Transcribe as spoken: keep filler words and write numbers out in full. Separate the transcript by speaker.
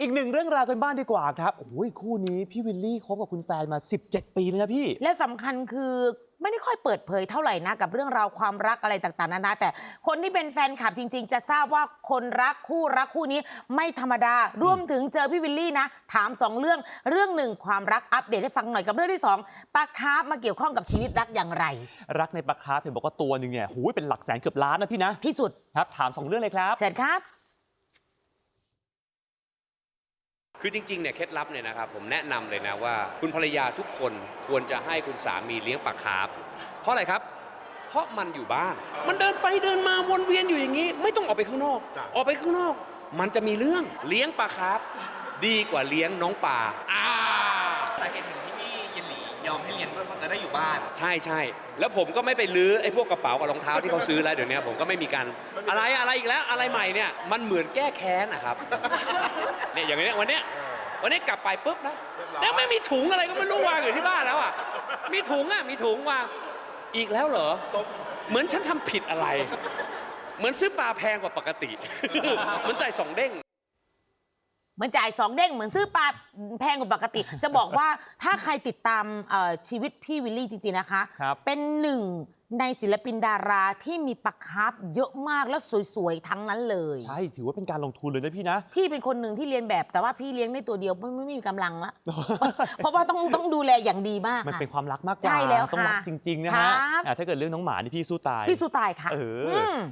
Speaker 1: อีกหนึ่งเรื่องราวกันบ้านดีกว่าครับโอ้ยคู่นี้พี่วิลลี่คบกับคุณแฟนมาสิบเจ็ดปีเลยนะพี่
Speaker 2: และสำคัญคือไม่ได้ค่อยเปิดเผยเท่าไหร่นะกับเรื่องราวความรักอะไรต่างๆนานาแต่คนที่เป็นแฟนคลับจริงๆจะทราบว่าคนรักคู่รักคู่นี้ไม่ธรรมดารวมถึงเจอพี่วิลลี่นะถามสองเรื่องเรื่องหนึ่งความรักอัปเดตให้ฟังหน่อยกับเรื่องที่สองปลาคาร์ฟมาเกี่ยวข้องกับชีวิตรักอย่างไร
Speaker 1: รักในปลาคาร์ฟเห็นบอกว่าตัวหนึ่งเนี่ยหูยเป็นหลักแสนเกือบล้านนะพี่นะ
Speaker 2: ที่สุด
Speaker 1: ครับถามสองเรื่องเลยครับ
Speaker 2: เชิญครับ
Speaker 3: คือจริงๆเนี่ยเคล็ดลับเนี่ยนะครับผมแนะนำเลยนะว่าคุณภรรยาทุกคนควรจะให้คุณสามีเลี้ยงปลาคาร์ฟเพราะอะไรครับเพราะมันอยู่บ้านมันเดินไปเดินมาวนเวียนอยู่อย่างนี้ไม่ต้องออกไปข้างนอกออกไปข้างนอกมันจะมีเรื่องเลี้ยงปลาคาร์ฟดีกว่าเลี้ยงน้องปลาอ่า
Speaker 4: แต่เหตุหนึ่งที่พี่ยินหลียอมให้เลี้ยงด้วยเพราะจะได้อยู่บ้าน
Speaker 3: ใช่ใช่แล้วผมก็ไม่ไปลื้อไอ้พวกกระเป๋ากับรองเท้าที่เขาซื้อแล้วเดี๋ยวนี้ผมก็ไม่มีการอะไรอะไรอีกแล้วอะไรใหม่เนี่ยมันเหมือนแก้แค้นนะครับเนี่ยอย่างนี้วันเนี้ยวันนี้กลับไปปุ๊บนะแล้วไม่มีถุงอะไรก็ไม่รู้วางอยู่ที่บ้านแล้วอ่ะมีถุงอ่ะมีถุงวางอีกแล้วเหรอเหมือนฉันทำผิดอะไรเหมือนซื้อปลาแพงกว่าปกติเหมือนจ่ายสองเด้ง
Speaker 2: เหมือนจ่ายสองเด้งเหมือนซื้อปลาแพงกว่าปกติ จะบอกว่าถ้าใครติดตามชีวิตพี่วิลลี่จริงๆนะคะเป็นหนึ่งในศิลปินดาราที่มีปลาคาร์ฟเยอะมากแล้วสวยๆทั้งนั้นเลย
Speaker 1: ใช่ถือว่าเป็นการลงทุนเลยนะพี่นะ
Speaker 2: พี่เป็นคนหนึ่งที่เรียนแบบแต่ว่าพี่เลี้ยงได้ตัวเดียวไม่ไม่มีกำลังละ เพราะว่าต้องต้องดูแลอย่างดีมาก
Speaker 1: มันเป็นความรักมากกว่า
Speaker 2: ใช่แล้ว
Speaker 1: ต้องรักจริงๆนะฮะถ้าเกิดเรื่องน้องหมานี่พี่สู้ตาย
Speaker 2: พี่สู้ตายค่ะ